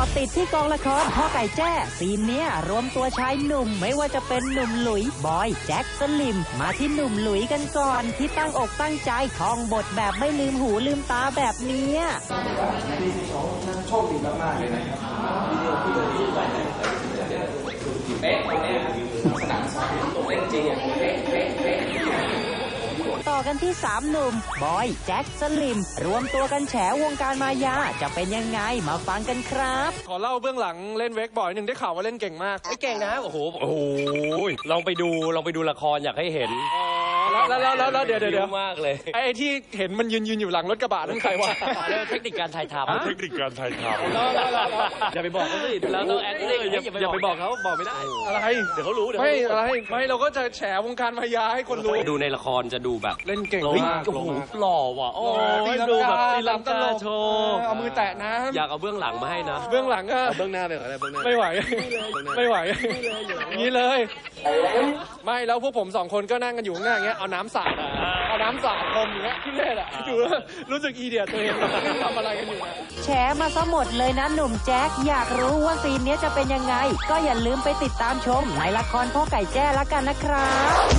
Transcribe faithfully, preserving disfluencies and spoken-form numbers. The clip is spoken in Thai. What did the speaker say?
ติดที่กองละครพ่อไก่แจ้ซีนเนี้ยรวมตัวชายหนุ่มไม่ว่าจะเป็นหนุ่มหลุยบอยแจ็คสลิมมาที่หนุ่มหลุยกันก่อนที่ตั้งอกตั้งใจท่องบทแบบไม่ลืมหูลืมตาแบบเนี้ยโชคดีมากๆเลยนะครับวิดีโอที่เราดูไปเป๊ะตรงนี้สนามซ้อมตรงเล่นจริงอ่ะเป๊ะเป๊ะเป๊ะต่อกันที่สามหนุ่มบอยแจ็คสลิมรวมตัวกันแฉวงการมายาจะเป็นยังไงมาฟังกันครับขอเล่าเบื้องหลังเล่นเวกบอยหนึ่งได้ข่าวว่าเล่นเก่งมากไม่เก่งนะโอ้โหโอ้โหลองไปดูลองไปดูละครอยากให้เห็นแล้วแล้วแล้วเดี๋ยวเดี๋ยวมากเลยไอ้ที่เห็นมันยืนยืนอยู่หลังรถกระบะนั่นใครวะเทคนิคการถ่ายทำเทคนิคการถ่ายทำอย่าไปบอกเขาสิเราต้องแอคติ้งอย่าไปบอกเขาบอกไม่ได้อะไรเดี๋ยวเขารู้เดี๋ยวไม่อะไรไม่เราก็จะแฉวงการมายาให้คนรู้ดูในละครจะดูแบบเล่นเก่งมากโอ้โหหล่อว่ะโอ้ยดูแบบตีลังกาโชว์เอามือแตะนะอยากเอาเบื้องหลังมาให้นะเบื้องหลังก็เบื้องหน้าไปก่อนเบื้องหน้าไม่ไหวไม่ไหวอย่างนี้เลยไม่แล้วพวกผมสองคนก็นั่งกันอยู่ข้างหน้าอย่างเงี้ยเอาน้ำสาดเอาน้ำสาดพรมอย่างเงี้ยทุเรศอ่ะดูรู้สึกอีเดียตัวเองทำอะไรกันอยู่นะแฉมาซะหมดเลยนะหนุ่มแจ็คอยากรู้ว่าซีนนี้จะเป็นยังไงก็อย่าลืมไปติดตามชมในละครพ่อไก่แจ้ละกันนะครับ